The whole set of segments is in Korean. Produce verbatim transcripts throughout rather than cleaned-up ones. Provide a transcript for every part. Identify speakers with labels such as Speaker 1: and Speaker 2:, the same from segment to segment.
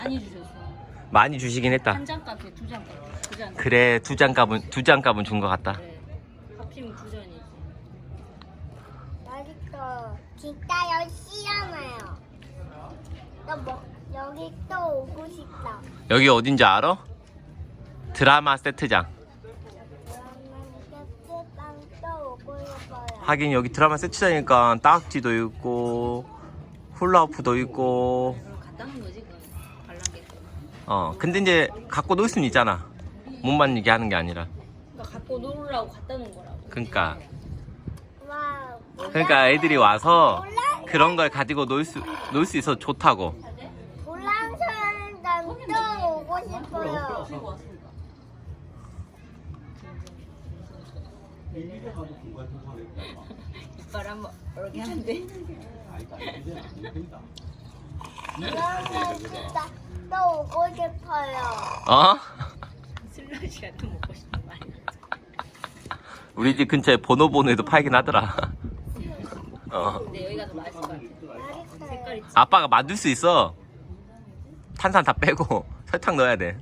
Speaker 1: 많이 주셨어.
Speaker 2: 많이 주시긴 했다.
Speaker 1: 한 장 값에 두 장 값. 두 장.
Speaker 2: 그래, 두 장 값은 두 장 값은 준 것 같다.
Speaker 1: 네. 합치면 두 잔이지.
Speaker 3: 맛있어. 진짜 열심히하네요. 뭐 여기 또 오고 싶다.
Speaker 2: 여기 어딘지 알아? 드라마 세트장.
Speaker 3: 그러면 또 오고 싶어요.
Speaker 2: 하긴 여기 드라마 세트장이니까 딱지도 있고 훌라후프도 있고.
Speaker 1: 그럼 갖다 놓은 거지 그건. 관람객.
Speaker 2: 어, 근데 이제 갖고 놀 수는 있잖아. 못 만지게 하는 게 아니라.
Speaker 1: 그러니까 갖고 놀으라고 갖다 놓은 거라고.
Speaker 2: 그러니까.
Speaker 3: 와.
Speaker 2: 그러니까 애들이 와서 그런 걸 가지고 놀 수 놀 수 있어 좋다고.
Speaker 3: 볼랑사랑 또 오고 싶어요.
Speaker 1: 이빨 한번 이렇게 하는데.
Speaker 3: 볼랑사 진짜 또 오고 싶어요.
Speaker 2: 어?
Speaker 1: 슬러시가 또 먹고 싶은 말이야.
Speaker 2: 우리 집 근처에 보노보노에도 팔긴 하더라. 어.
Speaker 1: 근데 여기가 더 맛있을 것 같아.
Speaker 3: 맛있어요.
Speaker 1: 색깔이
Speaker 2: 아빠가 만들 수 있어. 탄산 다 빼고 설탕 넣어야 돼.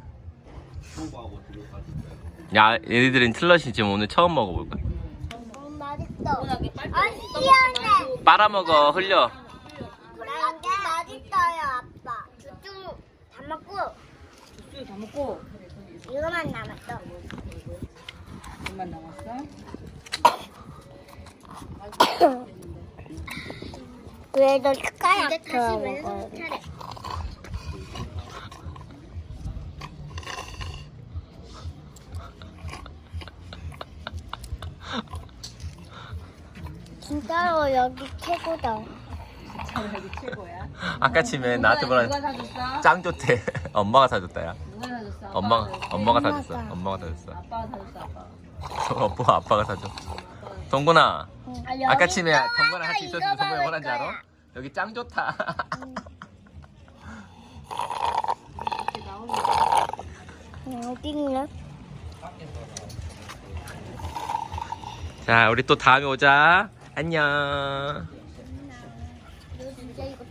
Speaker 2: 야, 얘네들은 슬러시 지금 오늘 처음 먹어볼 거야.
Speaker 3: 너무 맛있어.
Speaker 1: 워낙에 빨리
Speaker 3: 아, 시원해.
Speaker 2: 빨아먹어, 흘려.
Speaker 3: 볼랑사 맛있어요, 아빠. 쭈쭈 다 먹고
Speaker 1: 주스 다 먹고
Speaker 3: 이거만 남았어.
Speaker 1: 얼만 남았어?
Speaker 3: 그래도 숟가락 더 먹어요. 진짜로 여기 최고다.
Speaker 1: 참 여기 최고야.
Speaker 2: 아까 침에 나한테
Speaker 1: 누가
Speaker 2: 뭐라
Speaker 1: 사줬어?
Speaker 2: 짱 좋대. 엄마가 사줬다, 야.
Speaker 1: 누가 사줬어? 아빠가
Speaker 2: 엄마가,
Speaker 1: 사줬어?
Speaker 2: 엄마가
Speaker 3: 엄마가.
Speaker 2: 사줬어. 엄마가 사줬어.
Speaker 1: 아빠가 사줬어. 아빠.
Speaker 2: 엄마, 아빠가 사줘. 동근아, 아까 침에 동근아 같이 있었는데 동근이 뭐라는지 알아? 여기 짱 좋다.
Speaker 1: 이렇게 나오는 거.
Speaker 3: 어디 있냐?
Speaker 2: 자, 우리 또 다음에 오자. 안녕.